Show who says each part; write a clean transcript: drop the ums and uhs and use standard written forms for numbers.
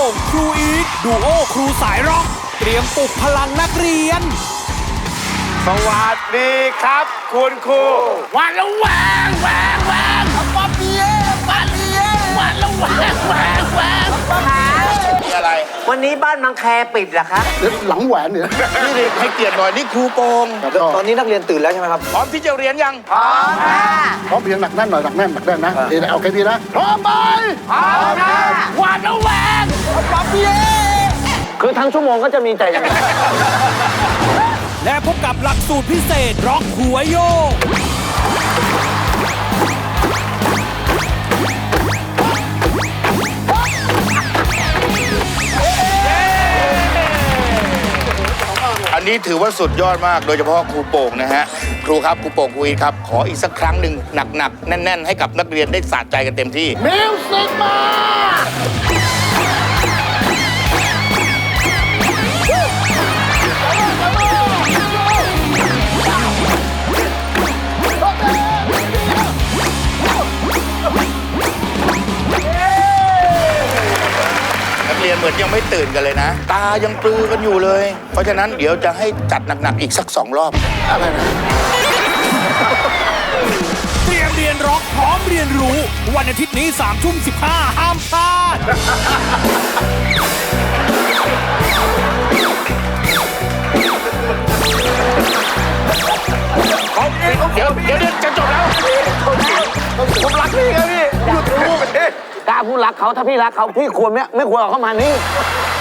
Speaker 1: งครูอีทดูโอครูสายร็อกเตรียมปลุกพลังนักเรียน
Speaker 2: สวัสดีครับคุณครู
Speaker 3: วันละแวงปาเปียวันละแวง
Speaker 2: มีอะไร
Speaker 4: วันนี้บ้านมังแคปิดเหรอคะ
Speaker 5: หลังแหวนเนี่ย
Speaker 2: นี่ดิให้เกียรติหน่อยนี่ครูโกง
Speaker 4: ตอนนี้นักเรียนตื่นแล้วใช่ไหมครับ
Speaker 2: พร้อมที่จะเรียนยัง
Speaker 4: พร้อมค่ะ
Speaker 5: พร้อมเพียงหนักแน่นหน่อยหนักแน่นนะเอาแค่นี้นะพร้อมไหม
Speaker 4: พร้อมค่ะ
Speaker 3: วันละแวงปาเปีย
Speaker 4: คือทั้งชั่วโมงก็จะมีแต่อย่างนี้
Speaker 1: และพบกับหลักสูตรพิเศษร็อกหัวโยก
Speaker 2: อันนี้ถือว่าสุดยอดมากโดยเฉพาะครูโป่งนะฮะครูครับครูโป่งครูอีทครับขออีกสักครั้งหนึ่งหนักๆแน่นๆให้กับนักเรียนได้สะใจกันเต็มที่
Speaker 5: มิวสิกมา
Speaker 2: เรียนเหมือนยังไม่ตื่นกันเลยนะตายังปลือกันอยู่เลยเพราะฉะนั้นเดี๋ยวจะให้จัดหนักๆอีกสัก2 รอบอะไรนะ
Speaker 1: เตรียมเรียนร็อกพร้อมเรียนรู้วันอาทิตย์นี้3:15ห้ามพลาด
Speaker 2: เดี๋ยวจะจบแล้ว
Speaker 4: ผมรักพี่ครับพี่อยากรู้กล้าพูดรักเขาถ้าพี่รักเขาพี่ควรไม่ควรเอาเข้ามานี่